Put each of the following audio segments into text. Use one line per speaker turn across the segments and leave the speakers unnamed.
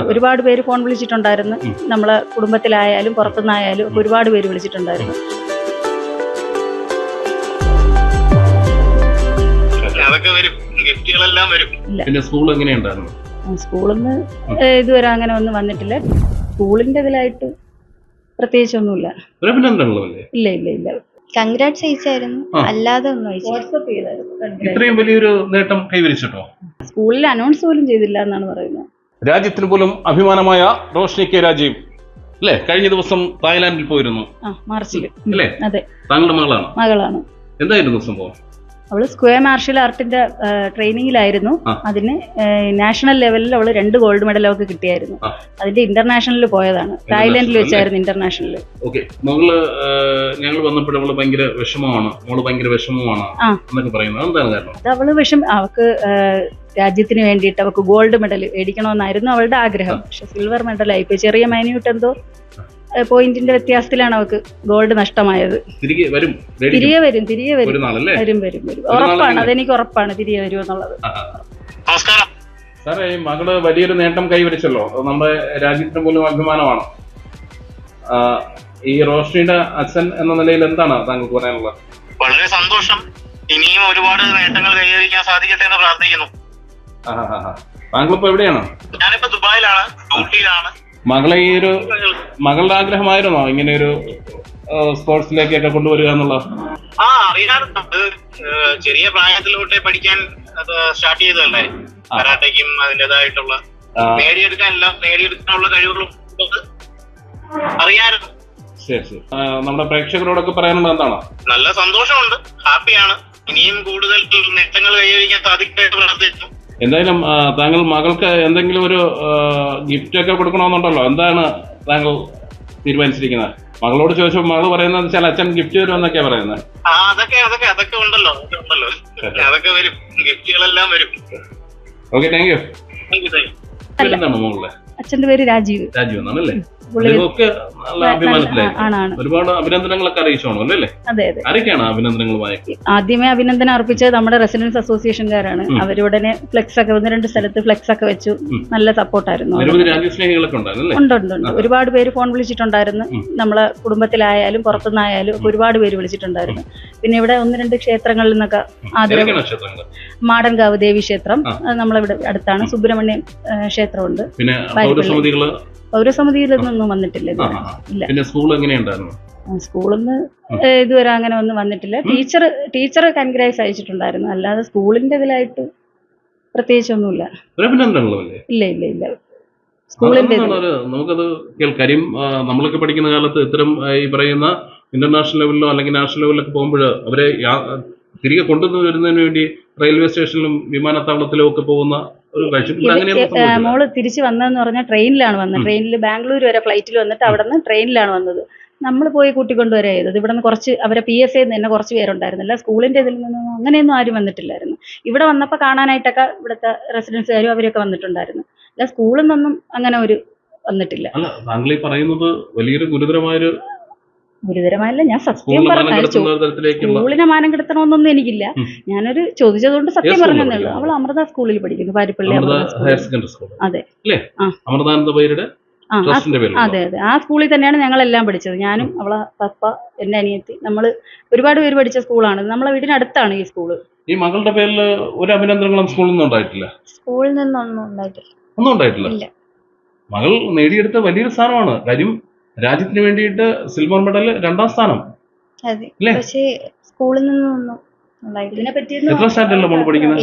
ഒരുപാട് പേര് ഫോൺ വിളിച്ചിട്ടുണ്ടായിരുന്നു. നമ്മളെ കുടുംബത്തിലായാലും പുറത്തുനിന്നായാലും ഒരുപാട് പേര് വിളിച്ചിട്ടുണ്ടായിരുന്നു.
അതൊക്കെ വരും, ഗിഫ്റ്റുകളെല്ലാം വരും.
പിന്നെ സ്കൂൾ എങ്ങനെയുണ്ടായിരുന്നു?
സ്കൂളിൽ നിന്ന് ഇതുവരെ അങ്ങനെ ഒന്നും വന്നിട്ടില്ല. സ്കൂളിന്റെ ഇതിലായിട്ട് പ്രത്യേകിച്ചൊന്നുമില്ല. ഇല്ല ഇല്ല ഇല്ല.
കൺഗ്രാറ്റ്സ് അയച്ചായിരുന്നു, അല്ലാതെ ഒന്നും
വാട്സ്ആപ്പ് ചെയ്തായിരുന്നു.
ഇത്രയും വലിയൊരു നേട്ടം കൈവരിച്ചിട്ടോ?
സ്കൂളിൽ അനൗൺസ് പോലും ചെയ്തില്ല എന്നാണ് പറയുന്നത്.
രാജ്യത്തിന് പോലും അഭിമാനമായ റോഷ്നി കെ രാജീവ് അല്ലേ, കഴിഞ്ഞ ദിവസം തായ്ലാന്റിൽ പോയിരുന്നു.
മാർച്ചിൽ
അല്ലേ?
അതെ,
താങ്കളുടെ മകളാണ്. എന്തായിരുന്നു സംഭവം?
അവള് സ്ക്വയർ മാർഷൽ ആർട്ടിന്റെ ട്രെയിനിങ്ങിലായിരുന്നു. അതിന് നാഷണൽ ലെവലിൽ അവള് 2 ഗോൾഡ് മെഡൽ അവർക്ക് കിട്ടിയായിരുന്നു. അതിന്റെ ഇന്റർനാഷണലിൽ പോയതാണ്, തായ്ലാന്റിൽ വെച്ചായിരുന്നു ഇന്റർനാഷണലിൽ.
ഞങ്ങൾ വന്നപ്പോൾ അവള് ഭയങ്കര വിഷമമാണ് എന്നൊക്കെ പറയുന്നത് എന്താണ് കാരണം?
അത് അവള് അവൾക്ക് രാജ്യത്തിന് വേണ്ടിയിട്ട് അവൾക്ക് ഗോൾഡ് മെഡൽ മേടിക്കണമെന്നായിരുന്നു അവളുടെ ആഗ്രഹം. പക്ഷെ സിൽവർ മെഡൽ ആയിപ്പോയി. ചെറിയ മൈന്യൂട്ട് എന്തോ പോയിന്റിന്റെ വ്യത്യാസത്തിലാണ് അവർക്ക് ഗോൾഡ് നഷ്ടമായത്. തിരികെ വരും ഉറപ്പാണ്, അതെനിക്ക് ഉറപ്പാണ് തിരികെ വരും എന്നുള്ളത്.
സാറേ, മകള് വലിയൊരു നേട്ടം കൈവരിച്ചല്ലോ, നമ്മുടെ രാജ്യത്തിന് പോലും അഭിമാനമാണ്. ഈ റോഷ്നിയുടെ അച്ഛൻ എന്ന നിലയിൽ എന്താണ് താങ്കൾക്ക് പറയാനുള്ളത്?
വളരെ സന്തോഷം. ഇനിയും ഒരുപാട് നേട്ടങ്ങൾ കൈവരിക്കാൻ സാധിക്കട്ടെ എന്ന് പ്രാർത്ഥിക്കുന്നു.
താങ്കളിപ്പോ എവിടെയാണ്?
ഞാനിപ്പോ ദുബായിലാണ്, ഡ്യൂട്ടിയിലാണ്.
മകളുടെ ആഗ്രഹമായിരുന്നോ ഇങ്ങനെ ഒരു സ്പോർട്സിലേക്കൊക്കെ കൊണ്ടുവരിക എന്നുള്ളത്?
അറിയാറുണ്ട്. ചെറിയ പ്രായത്തിലോട്ടെ പഠിക്കാൻ സ്റ്റാർട്ട് ചെയ്തതല്ലേ. കരാട്ടയ്ക്കും അതിൻ്റെതായിട്ടുള്ള നേടിയെടുക്കാനുള്ള കഴിവുകളും അറിയാറുണ്ട്.
ശരി. നമ്മുടെ പ്രേക്ഷകരോടൊക്കെ പറയാനുള്ളത് എന്താണ്?
നല്ല സന്തോഷമുണ്ട്, ഹാപ്പിയാണ്. ഇനിയും കൂടുതൽ നേട്ടങ്ങൾ കൈവരിക്കാൻ സാധിക്കട്ടെ പ്രാർത്ഥിക്കുന്നു.
എന്തായാലും താങ്കൾ മകൾക്ക് എന്തെങ്കിലും ഒരു ഗിഫ്റ്റ് ഒക്കെ കൊടുക്കണമെന്നുണ്ടല്ലോ, എന്താണ് താങ്കൾ തീരുമാനിച്ചിരിക്കുന്നത്? മകളോട് ചോദിച്ചപ്പോൾ മകൾ പറയുന്നത് വെച്ചാൽ അച്ഛൻ ഗിഫ്റ്റ് തരുമെന്നൊക്കെയാ പറയുന്നത്.
അതൊക്കെ ഉണ്ടല്ലോ, അതൊക്കെ വരും, ഗിഫ്റ്റുകളെല്ലാം വരും.
Okay, thank you.
എന്താണ് മകളുടെ? അച്ഛന്റെ പേര് രാജീവ്
എന്നാണല്ലേ? ഒരുപാട് അഭിനന്ദനങ്ങളൊക്കെ അറിയിച്ചോണോ അല്ലേ?
അതെ അതെ.
ആരൊക്കെയാണ് അഭിനന്ദനങ്ങളുമായി?
ആദ്യമേ അഭിനന്ദനം അർപ്പിച്ചത് നമ്മുടെ റെസിഡൻസ് അസോസിയേഷൻകാരാണ്. അവരുടനെ ഫ്ലെക്സ് ഒക്കെ 1-2 സ്ഥലത്ത് ഫ്ലെക്സ് ഒക്കെ വെച്ചു. നല്ല സപ്പോർട്ടായിരുന്നു. ഉണ്ട്. ഒരുപാട് പേര് ഫോൺ വിളിച്ചിട്ടുണ്ടായിരുന്നു. നമ്മളെ കുടുംബത്തിലായാലും പുറത്തുനിന്നായാലും ഒരുപാട് പേര് വിളിച്ചിട്ടുണ്ടായിരുന്നു. പിന്നെ ഇവിടെ 1-2 ക്ഷേത്രങ്ങളിൽ നിന്നൊക്കെ ആദരവ്. മാടൻകാവ് ദേവി ക്ഷേത്രം നമ്മളിവിടെ അടുത്താണ്. സുബ്രഹ്മണ്യം ക്ഷേത്രമുണ്ട്. പൗരസമിതിയിലൊന്നും വന്നിട്ടില്ല. സ്കൂളിൽ നിന്ന് ഇതുവരെ അങ്ങനെ ഒന്നും വന്നിട്ടില്ല. ടീച്ചർ കൺഗ്രാറ്റ്സ് അയച്ചിട്ടുണ്ടായിരുന്നു, അല്ലാതെ സ്കൂളിന്റെ ഇതിലായിട്ട് പ്രത്യേകിച്ചൊന്നുമില്ല. ഇല്ല ഇല്ല ഇല്ല. സ്കൂളിന്റെ
നമുക്കത് കേൾക്കാര്യം നമ്മളൊക്കെ പഠിക്കുന്ന കാലത്ത് ഇത്തരം ഈ പറയുന്ന ഇന്റർനാഷണൽ ലെവലിലോ അല്ലെങ്കിൽ നാഷണൽ ലെവലിലൊക്കെ പോകുമ്പോൾ അവരെ തിരികെ കൊണ്ടുവരുന്നതിന് വേണ്ടി റെയിൽവേ സ്റ്റേഷനിലും വിമാനത്താവളത്തിലും ഒക്കെ പോകുന്ന ഒരു
മോള് തിരിച്ചു വന്നതെന്ന് പറഞ്ഞാൽ ട്രെയിനിലാണ് വന്നത്. ട്രെയിനിൽ ബാംഗ്ലൂർ വരെ ഫ്ലൈറ്റിൽ വന്നിട്ട് അവിടെ നിന്ന് ട്രെയിനിലാണ് വന്നത്. നമ്മൾ പോയി കൂട്ടിക്കൊണ്ടുവരെ ചെയ്തത്. ഇവിടെ നിന്ന് കുറച്ച് അവരെ PSA തന്നെ കുറച്ച് പേരുണ്ടായിരുന്നില്ല. സ്കൂളിന്റെ ഇതിൽ നിന്നും അങ്ങനെയൊന്നും ആരും വന്നിട്ടില്ലായിരുന്നു. ഇവിടെ വന്നപ്പോൾ കാണാനായിട്ടൊക്കെ ഇവിടുത്തെ റെസിഡൻസുകാരും അവരൊക്കെ വന്നിട്ടുണ്ടായിരുന്നു. അല്ല, സ്കൂളിൽ നിന്നൊന്നും അങ്ങനെ ഒരു വന്നിട്ടില്ല.
താങ്കൾ ഈ പറയുന്നത് വലിയൊരു
ഗുരുതരമായല്ല, ഞാൻ സത്യം പറഞ്ഞു. സ്കൂളിനെ മാനം കെടുത്തണമെന്നൊന്നും എനിക്കില്ല. ഞാനൊരു ചോദിച്ചതുകൊണ്ട് സത്യം പറഞ്ഞതേ ഉള്ളൂ. അവൾ അമൃത സ്കൂളിൽ പഠിക്കുന്നു, പാരിപ്പള്ളി. അതെ അതെ അതെ. ആ സ്കൂളിൽ തന്നെയാണ് ഞങ്ങളെല്ലാം പഠിച്ചത്. ഞാനും അവളെ പപ്പ, എന്റെ അനിയത്തി, നമ്മള് ഒരുപാട് പേര് പഠിച്ച സ്കൂളാണ്. നമ്മളെ വീടിനടുത്താണ് ഈ സ്കൂള്.
ഈ മകളുടെ പേരിൽ ഒരു അഭിനന്ദനങ്ങളും സ്കൂളിൽ നിന്നും ഉണ്ടായിട്ടില്ല?
സ്കൂളിൽ നിന്നൊന്നും ഉണ്ടായിട്ടില്ല.
മകൾ നേടിയെടുത്ത വലിയൊരു സ്ഥാനമാണ്. കാര്യം രാജ്യത്തിന് വേണ്ടിയിട്ട് സിൽവർ മെഡൽ 2ാം സ്ഥാനം.
പക്ഷേ സ്കൂളിൽ നിന്നൊന്നും
എത്രാം സ്റ്റാൻഡേർഡിലാണ് മോൾ പഠിക്കുന്നത്?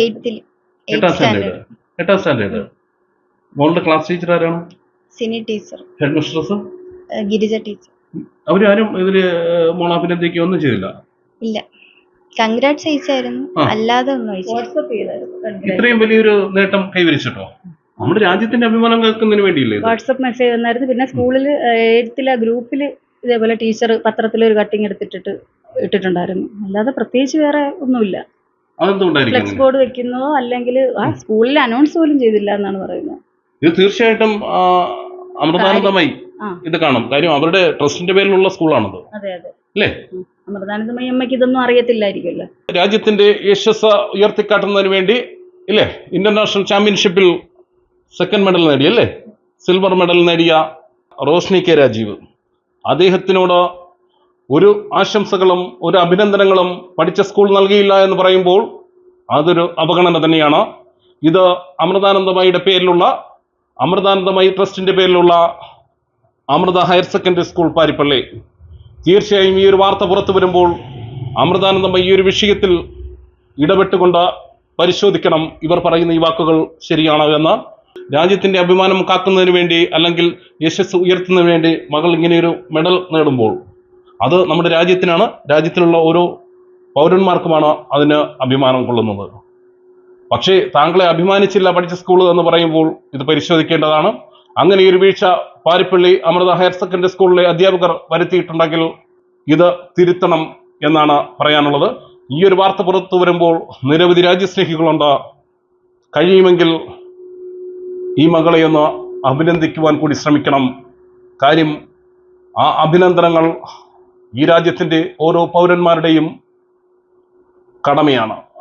8ാം സ്റ്റാൻഡേർഡ്. മോളുടെ ക്ലാസ് ടീച്ചർ ആരാണ്?
Sini teacher.
Head mistress
Girija teacher.
അവരാരും ഇതില് മോൾ അഭിനന്ദിക്കുകയൊന്നും ചെയ്തില്ല?
ഇല്ല. കൺഗ്രാറ്റ്സ് അയച്ചായിരുന്നു, അല്ലാതെ ഒന്നും വാട്സ്ആപ്പ് ചെയ്തായിരുന്നു.
ഇത്രയും വലിയൊരു നേട്ടം കൈവരിച്ചിട്ടോ? നമ്മുടെ രാജ്യത്തിന്റെ അഭിമാനം കേൾക്കുന്നതിന് വേണ്ടിയില്ലേ?
വാട്സ്ആപ്പ് മെസ്സേജ് വന്നായിരുന്നു. പിന്നെ സ്കൂളിൽ 8th ഗ്രൂപ്പില് ഇതേപോലെ ടീച്ചർ പത്രത്തിലൊരു കട്ടിങ് ഇട്ടിട്ടുണ്ടായിരുന്നു. അല്ലാതെ പ്രത്യേകിച്ച് വേറെ ഒന്നുമില്ല. ഫ്ലെക്സ് ബോർഡ് വെക്കുന്നതോ അല്ലെങ്കിൽ സ്കൂളിൽ അനൗൺസ് പോലും ചെയ്തില്ല എന്നാണ് പറയുന്നത്.
ഇത് തീർച്ചയായിട്ടും അമൃതാനന്ദമായി ഇത് കാണും. കാര്യം അവരുടെ ട്രസ്റ്റിന്റെ പേരിലുള്ള സ്കൂളാണത്.
അതെ അതെ
അല്ലേ?
അമൃതാനന്ദമയി അമ്മയ്ക്ക് ഇതൊന്നും അറിയത്തില്ലായിരിക്കുമല്ലോ.
രാജ്യത്തിന്റെ യശസ് ഉയർത്തിക്കാട്ടുന്നതിന് വേണ്ടി ഇല്ലേ ഇന്റർനാഷണൽ ചാമ്പ്യൻഷിപ്പിൽ 2nd മെഡൽ നേടി അല്ലേ? സിൽവർ മെഡൽ നേടിയ റോഷ്നി കെ രാജീവ്. അദ്ദേഹത്തിനോട് ഒരു ആശംസകളും ഒരു അഭിനന്ദനങ്ങളും പഠിച്ച സ്കൂൾ നൽകിയില്ല എന്ന് പറയുമ്പോൾ അതൊരു അവഗണന തന്നെയാണ്. ഇത് അമൃതാനന്ദമയിയുടെ പേരിലുള്ള, അമൃതാനന്ദമയി ട്രസ്റ്റിന്റെ പേരിലുള്ള Amrita higher secondary school Paripally. തീർച്ചയായും ഈ ഒരു വാർത്ത പുറത്തു വരുമ്പോൾ അമൃതാനന്ദമയി ഈ ഒരു വിഷയത്തിൽ ഇടപെട്ടുകൊണ്ട് പരിശോധിക്കണം ഇവർ പറയുന്ന ഈ വാക്കുകൾ ശരിയാണോ എന്ന്. രാജ്യത്തിന്റെ അഭിമാനം കാക്കുന്നതിന് വേണ്ടി അല്ലെങ്കിൽ യശസ് ഉയർത്തുന്നതിന് വേണ്ടി മകൾ ഇങ്ങനെയൊരു മെഡൽ നേടുമ്പോൾ അത് നമ്മുടെ രാജ്യത്തിനാണ്, രാജ്യത്തിലുള്ള ഓരോ പൗരന്മാർക്കുമാണ് അതിന് അഭിമാനം കൊള്ളുന്നത്. പക്ഷേ താങ്കളെ അഭിമാനിച്ചില്ല പഠിച്ച സ്കൂൾ എന്ന് പറയുമ്പോൾ ഇത് പരിശോധിക്കേണ്ടതാണ്. അങ്ങനെ ഒരു വീഴ്ച പാരിപ്പള്ളി അമൃത ഹയർ സെക്കൻഡറി സ്കൂളിലെ അധ്യാപകർ വരുത്തിയിട്ടുണ്ടെങ്കിൽ ഇത് തിരുത്തണം എന്നാണ് പറയാനുള്ളത്. ഈ ഒരു വാർത്ത പുറത്തു വരുമ്പോൾ നിരവധി രാജ്യസ്നേഹികളുണ്ട്. കഴിയുമെങ്കിൽ ഈ മകളെ ഒന്ന് അഭിനന്ദിക്കുവാൻ കൂടി ശ്രമിക്കണം. കാര്യം ആ അഭിനന്ദനങ്ങൾ ഈ രാജ്യത്തിൻ്റെ ഓരോ പൗരന്മാരുടെയും കടമയാണ്.